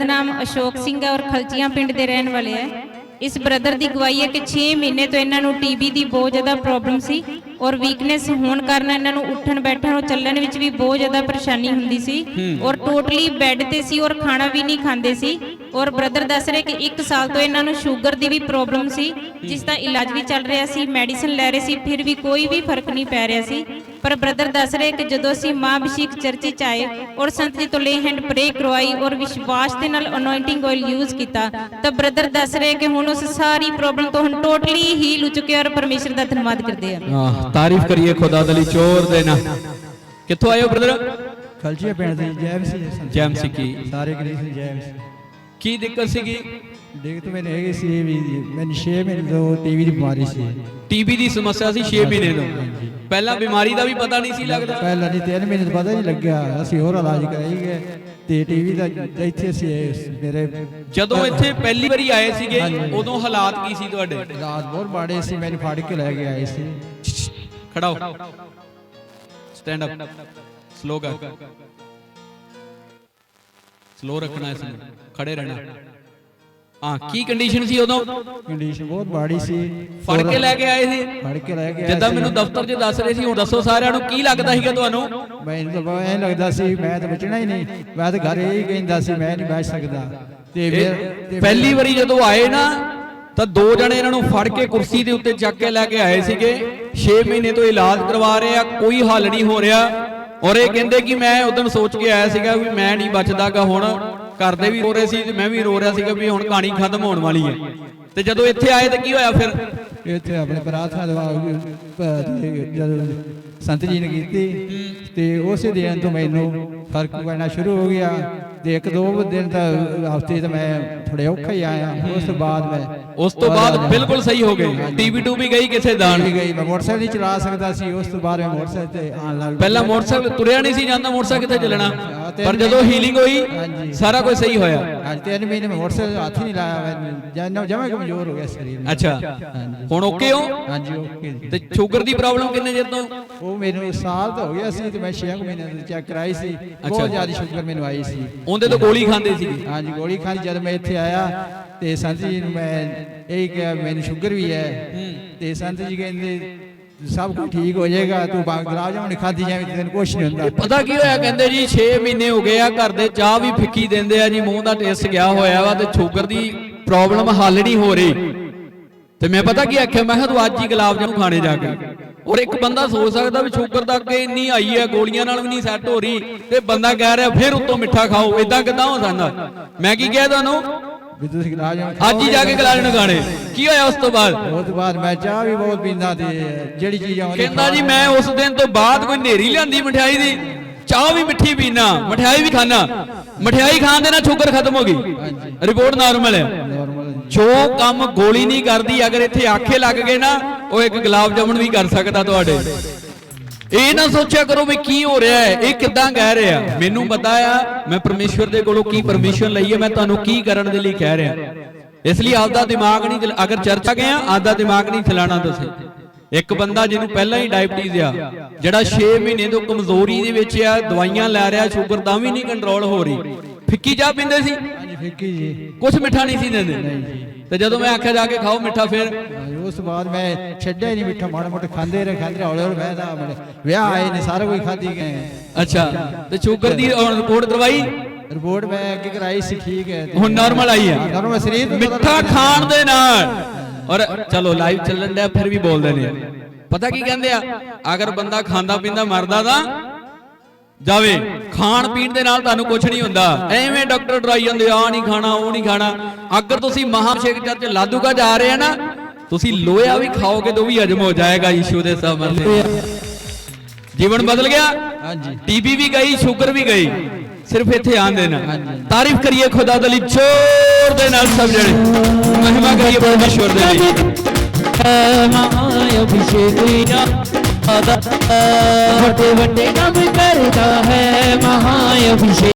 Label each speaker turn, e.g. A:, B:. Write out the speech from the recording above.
A: नाम अशोक सिंह है और खलचियां पिंड के रहने वाले है। इस ब्रदर की गवाही है कि 6 महीने तो इन्हों टीबी की बहुत ज़्यादा प्रॉब्लम सी और वीकनेस होने कारण इन्हों उठन बैठन और चलने में भी बहुत ज़्यादा परेशानी हुंदी सी और टोटली बैड ते सी और खाना भी नहीं खाते सी। और ब्रदर दस रहे कि 1 साल तो इन्हों शुगर की भी प्रॉब्लम सी जिसका इलाज भी चल रहा सी, मैडिसिन लै रहे सी, फिर भी कोई भी फर्क नहीं पै रहा सी। पर ब्रदर दस रहे कि जो असीं माँ अभिषेक चर्च च आए और संत जी तो ले हैंड प्रे करवाई और विश्वास के नाल अनॉइंटिंग ऑयल यूज़ किया तो ब्रदर दस रहे कि हुण उस सारी प्रॉब्लम तो हम टोटली हील हो चुके और परमेश्वर का धन्यवाद करते हैं।
B: तारीफ करिए खुदा दी चोर देना। कित्थों आए हो ब्रदर?
C: खलचिया पिंड दे
B: जैम सी की
C: सारे कलीसिया जैम सी।
B: की दिक्कत सीगी?
C: दिक्कत मैंने है सी भी मैंने 6 महीने तो टीवी की बीमारी सी।
B: टीबी की समस्या सी 6 महीने तो पहला बीमारी का भी पता नहीं सी लगदा।
C: पहला नहीं 3 महीने तो पता नहीं लग्या असि होर इलाज कराई गए ते टीवी दा इत्थे सी मेरे
B: ਜਦੋਂ ਇੱਥੇ ਪਹਿਲੀ ਵਾਰੀ ਆਏ ਸੀਗੇ ਉਦੋਂ ਹਾਲਾਤ ਕੀ ਸੀ ਤੁਹਾਡੇ?
C: रात बहुत माड़े सी मैंने फाड़ के ले गए आए सी।
B: खड़ा हो, स्टैंड अप, स्लो कर, स्लो रखना है इसमें, खड़े रहना। हाँ की कंडीशन सी उदों?
C: कंडीशन बहुत माड़ी सी।
B: फड़ के लेके आए थे?
C: फड़ के लेके आए
B: जिद्दां मैनूं दफ्तर 'च दस रहे सी, हुण दसो सारिआं नूं की लगदा सीगा तुहानूं?
C: मैनूं तो ऐ लगदा सी मैं तो बचना ही नहीं, मैं तो घर ही कहंदा सी मैं नहीं बच सकदा। ते फिर
B: पहली वारी जदों आए ना ਤਾਂ 2 ਜਣੇ ਇਹਨਾਂ ਨੂੰ ਫੜ ਕੇ ਕੁਰਸੀ ਦੇ ਉੱਤੇ ਚੱਕ ਕੇ ਲੈ ਕੇ ਆਏ ਸੀਗੇ। 6 ਮਹੀਨੇ ਤੋਂ ਇਲਾਜ ਕਰਵਾ ਰਹੇ ਆ, ਕੋਈ ਹੱਲ ਨਹੀਂ ਹੋ ਰਿਹਾ। ਔਰ ਇਹ ਕਹਿੰਦੇ ਕਿ ਮੈਂ ਉਦੋਂ ਸੋਚ ਕੇ ਆਇਆ ਸੀਗਾ ਵੀ ਮੈਂ ਨਹੀਂ ਬਚਦਾਗਾ। ਹੁਣ ਘਰ ਦੇ ਵੀ ਰੋ ਰਹੇ ਸੀ ਤੇ ਮੈਂ ਵੀ ਰੋ ਰਿਹਾ ਸੀਗਾ ਵੀ ਹੁਣ ਕਹਾਣੀ ਖਤਮ ਹੋਣ ਵਾਲੀ ਹੈ। ਤੇ ਜਦੋਂ ਇੱਥੇ ਆਏ ਤਾਂ ਕੀ ਹੋਇਆ ਫਿਰ?
C: ਇੱਥੇ ਆਪਣੇ ਪ੍ਰਾਰਥਨਾ ਦਵਾ ਜਦੋਂ ਸੰਤ ਜੀ ਨੇ ਕੀਤੀ ਤੇ ਉਸੇ ਦਿਨ ਤੋਂ ਮੈਨੂੰ ਫਰਕ ਪੈਣਾ ਸ਼ੁਰੂ ਹੋ ਗਿਆ। ਤੇ 1-2 ਦਿਨ ਤਾਂ ਹਫ਼ਤੇ ਤਾਂ ਮੈਂ ਥੋੜੇ ਔਖਾ ਹੀ ਆਇਆ।
B: ਉਸ ਤੋਂ ਬਾਅਦ ਬਿਲਕੁਲ ਸਹੀ ਹੋ ਗਏ। ਟੀਵੀ ਟੂ ਵੀ ਗਈ ਕਿਸੇ ਦਾਣ
C: ਵੀ ਗਈ। ਮੈਂ ਮੋਟਰਸਾਈਕਲ ਨਹੀਂ ਚਲਾ ਸਕਦਾ ਸੀ। ਉਸ ਤੋਂ ਬਾਅਦ ਮੈਂ ਮੋਟਰਸਾਈਕਲ ਤੇ ਆਉਣ ਲੱਗ ਪਿਆ।
B: ਪਹਿਲਾਂ ਮੋਟਰਸਾਈਕਲ ਤੁਰਿਆ ਨਹੀਂ ਸੀ ਜਾਂਦਾ, ਮੋਟਰਸਾਈਕਲ ਕਿੱਥੇ ਚੱਲਣਾ। ਪਰ ਜਦੋਂ ਹੀਲਿੰਗ ਹੋਈ ਸਾਰਾ ਕੁਝ ਸਹੀ ਹੋਇਆ।
C: ਅੱਜ 3 ਮਹੀਨੇ ਮੈਂ ਮੋਟਰਸਾਈਕਲ ਹੱਥ ਹੀ ਨਹੀਂ ਲਾਇਆ। ਮੈਂ ਜਮਾਂ ਕਮਜ਼ੋਰ ਹੋ ਗਿਆ ਸਰੀਰ।
B: ਅੱਛਾ ਹੁਣ ਓਕੇ ਹੋ?
C: ਹਾਂਜੀ ਓਕੇ।
B: ਤੇ ਸ਼ੂਗਰ ਦੀ ਪ੍ਰੋਬਲਮ ਕਿੰਨੇ ਚਿਰ ਤੋਂ?
C: ਉਹ ਮੈਨੂੰ ਸਾਲ ਤਾਂ ਹੋ ਗਿਆ ਸੀ ਤੇ ਮੈਂ 6 ਮਹੀਨੇ ਤੋਂ ਚੈੱਕ ਕਰਾਈ ਸੀ। ਬਹੁਤ ਜ਼ਿਆਦਾ ਸ਼ੂਗਰ ਮੈਨੂੰ ਆਈ ਸੀ।
B: ਉਹਦੇ ਤੋਂ ਗੋਲੀ ਖਾਂਦੇ ਸੀ?
C: ਹਾਂਜੀ ਗੋਲੀ ਖਾਣੀ। ਜਦ ਮੈਂ ਇੱਥੇ ਆਇਆ ਤੇ ਸੰਤ ਜੀ ਨੂੰ ਮੈਂ ਇਹੀ ਕਿਹਾ ਮੈਨੂੰ ਸ਼ੂਗਰ ਵੀ ਹੈ ਤੇ ਸੰਤ ਜੀ ਕਹਿੰਦੇ ਸਭ ਕੁਝ ਠੀਕ ਹੋ ਜਾਏਗਾ, ਤੂੰ ਗੁਲਾਬ ਜਾਮੁਨ ਖਾਦੀ ਜਾਵੇਂ ਤੈਨੂੰ ਕੁਝ ਨਹੀਂ ਹੁੰਦਾ।
B: ਪਤਾ ਕੀ ਹੋਇਆ? ਕਹਿੰਦੇ ਜੀ 6 ਮਹੀਨੇ ਹੋ ਗਏ ਆ, ਘਰ ਦੇ ਚਾਹ ਵੀ ਫਿੱਕੀ ਦਿੰਦੇ ਆ ਜੀ, ਮੂੰਹ ਦਾ ਟੇਸਟ ਗਿਆ ਹੋਇਆ ਵਾ ਤੇ ਸ਼ੂਗਰ ਦੀ ਪ੍ਰੋਬਲਮ ਹੱਲ ਨਹੀਂ ਹੋ ਰਹੀ। ਤੇ ਮੈਂ ਪਤਾ ਕੀ ਆਖਿਆ, ਮੈਂ ਕਿਹਾ ਤੂੰ ਅੱਜ ਹੀ ਗੁਲਾਬ ਜਾਮੁਨ ਖਾਣੇ ਜਾ ਕੇ। ਔਰ ਇੱਕ ਬੰਦਾ ਸੋਚ ਸਕਦਾ ਵੀ ਸ਼ੂਗਰ ਤਾਂ ਅੱਗੇ ਇੰਨੀ ਆਈ ਹੈ, ਗੋਲੀਆਂ ਨਾਲ ਵੀ ਨਹੀਂ ਸੈੱਟ ਹੋ ਰਹੀ ਤੇ ਬੰਦਾ ਕਹਿ ਰਿਹਾ ਫਿਰ ਉੱਤੋਂ ਮਿੱਠਾ ਖਾਓ। ਇਦਾਂ ਕਿਦਾਂ ਹੋ ਸਕਦਾ? ਮੈਂ ਕੀ ਕਿਹਾ ਤੁਹਾਨੂੰ? ਅੱਜ ਹੀ ਜਾ ਕੇ ਗੁਲਾਬ ਜਾਮੁਨ ਖਾਣੇ। ਕੀ ਹੋਇਆ ਉਸ ਤੋਂ ਬਾਅਦ?
C: ਉਸ ਤੋਂ ਬਾਅਦ ਮੈਂ ਚਾਹ ਵੀ ਬਹੁਤ ਪੀਂਦਾ ਤੇ ਜਿਹੜੀ ਚੀਜ਼ ਆਉਂਦੀ
B: ਕਹਿੰਦਾ ਜੀ ਮੈਂ ਉਸ ਦਿਨ ਤੋਂ ਬਾਅਦ ਕੋਈ ਨੇਰੀ ਲਿਆਂਦੀ ਮਠਿਆਈ ਦੀ, ਚਾਹ ਵੀ ਮਿੱਠੀ ਪੀਣਾ, ਮਠਿਆਈ ਵੀ ਖਾਣਾ। ਮਠਿਆਈ ਖਾਣ ਦੇ ਨਾਲ ਸ਼ੂਗਰ ਖਤਮ ਹੋ ਗਈ, ਰਿਪੋਰਟ ਨਾਰਮਲ ਹੈ। ਜੋ ਕੰਮ ਗੋਲੀ ਨਹੀਂ ਕਰਦੀ, ਅਗਰ ਇੱਥੇ ਆਖੇ ਲੱਗ ਗਏ ਨਾ ਉਹ ਇੱਕ ਗੁਲਾਬ ਜਾਮੁਨ ਵੀ ਕਰ ਸਕਦਾ ਤੁਹਾਡੇ। ਇਹ ਨਾ ਸੋਚਿਆ ਕਰੋ ਵੀ ਕੀ ਹੋ ਰਿਹਾ ਹੈ, ਇਹ ਕਿੱਦਾਂ ਕਹਿ ਰਿਹਾ। ਮੈਨੂੰ ਪਤਾ ਆ ਮੈਂ ਪਰਮੇਸ਼ਵਰ ਦੇ ਕੋਲੋਂ ਕੀ ਪਰਮਿਸ਼ਨ ਲਈ ਹੈ, ਮੈਂ ਤੁਹਾਨੂੰ ਕੀ ਕਰਨ ਦੇ ਲਈ ਕਹਿ ਰਿਹਾ। ਇਸ ਲਈ ਆਪਦਾ ਦਿਮਾਗ ਨਹੀਂ, ਅਗਰ ਚਰਚਾ ਗਏ ਆਪਦਾ ਦਿਮਾਗ ਨਹੀਂ ਚਲਾਣਾ ਤੁਸੀਂ। ਇੱਕ ਬੰਦਾ ਜਿਹਨੂੰ ਪਹਿਲਾਂ ਹੀ ਡਾਇਬਟੀਜ਼ ਆ, ਜਿਹੜਾ 6 ਮਹੀਨੇ ਤੋਂ ਕਮਜ਼ੋਰੀ ਦੇ ਵਿੱਚ ਆ, ਦਵਾਈਆਂ ਲੈ ਰਿਹਾ, ਸ਼ੂਗਰ ਤਾਂ ਵੀ ਨਹੀਂ ਕੰਟਰੋਲ ਹੋ ਰਹੀ। ਫਿੱਕੀ ਚਾਹ ਪੀਂਦੇ ਸੀ?
C: ਫਿੱਕੀ ਜੀ,
B: ਕੁਛ ਮਿੱਠਾ ਨਹੀਂ ਸੀ ਦਿੰਦੇ। ਤੇ ਜਦੋਂ ਮੈਂ ਆਖਿਆ ਜਾ ਕੇ ਖਾਓ ਮਿੱਠਾ, ਫਿਰ
C: ਉਸ ਤੋਂ ਬਾਅਦ ਮੈਂ ਛੱਡਿਆ ਹੀ ਨਹੀਂ ਮਿੱਠਾ। ਮਾੜਾ ਮੋਟਾ ਖਾਂਦੇ ਰਹੇ ਹੌਲੇ ਹੌਲੇ। ਮੈਂ ਤਾਂ ਵਿਆਹ ਆਏ ਨੇ ਸਾਰਾ ਕੁਝ ਖਾਧੀ ਗਏ। ਅੱਛਾ
B: ਤੇ ਸ਼ੂਗਰ ਦੀ ਰਿਪੋਰਟ ਕਰਵਾਈ?
C: ਰਿਪੋਰਟ ਮੈਂ ਅੱਗੇ ਕਰਾਈ ਸੀ, ਠੀਕ ਹੈ,
B: ਹੁਣ ਨਾਰਮਲ ਆਈ ਹੈ।
C: ਨਾਰਮਲ ਸਰੀਰ
B: ਮਿੱਠਾ ਖਾਣ ਦੇ ਨਾਲ। ਔਰ ਚਲੋ ਲਾਈਵ ਚੱਲਣ ਡਿਆ ਫਿਰ ਵੀ ਬੋਲਦੇ ਨੇ। ਪਤਾ ਕੀ ਕਹਿੰਦੇ ਆ, ਅਗਰ ਬੰਦਾ ਖਾਂਦਾ ਪੀਂਦਾ ਮਰਦਾ ਤਾਂ ਜਾਵੇ, ਖਾਣ ਪੀਣ ਦੇ ਨਾਲ ਤੁਹਾਨੂੰ ਕੁਝ ਨਹੀਂ ਹੁੰਦਾ। ਐਵੇਂ ਡਾਕਟਰ ਡਰਾਈ ਜਾਂਦੇ ਆ ਨਹੀਂ ਖਾਣਾ ਉਹ ਨਹੀਂ ਖਾਣਾ। ਅਗਰ ਤੁਸੀਂ ਮਹਾਭਿਸ਼ੇਕ ਚਰਚ ਲਾਧੂਗਾ ਜਾ ਰਹੇ ਆ ਨਾ, ਤੁਸੀਂ ਲੋਹਾ ਵੀ ਖਾਓਗੇ ਤਾਂ ਵੀ ਹਜਮ ਹੋ ਜਾਏਗਾ ਯੀਸ਼ੂ ਦੇ ਸਾਹਮਣੇ। ਜੀਵਨ ਬਦਲ ਗਿਆ। ਹਾਂਜੀ ਟੀਬੀ ਵੀ ਗਈ, ਸ਼ੂਗਰ ਵੀ ਗਈ, ਸਿਰਫ ਇੱਥੇ ਆਣ ਦੇਣਾ। ਤਾਰੀਫ ਕਰੀਏ ਖੁਦਾ ਦੇ ਲਈ ਜ਼ੋਰ ਦੇ ਨਾਲ ਸਭ ਜਣੇ, ਮਹਿਮਾ ਕਰੀਏ ਪਰਮੇਸ਼ਵਰ ਦੇ ਲਈ।
D: ਵੱਡੇ ਵੱਡੇ ਕੰਮ ਕਰਦਾ ਹੈ ਮਹਾਅਭਿਸ਼ੇਕ।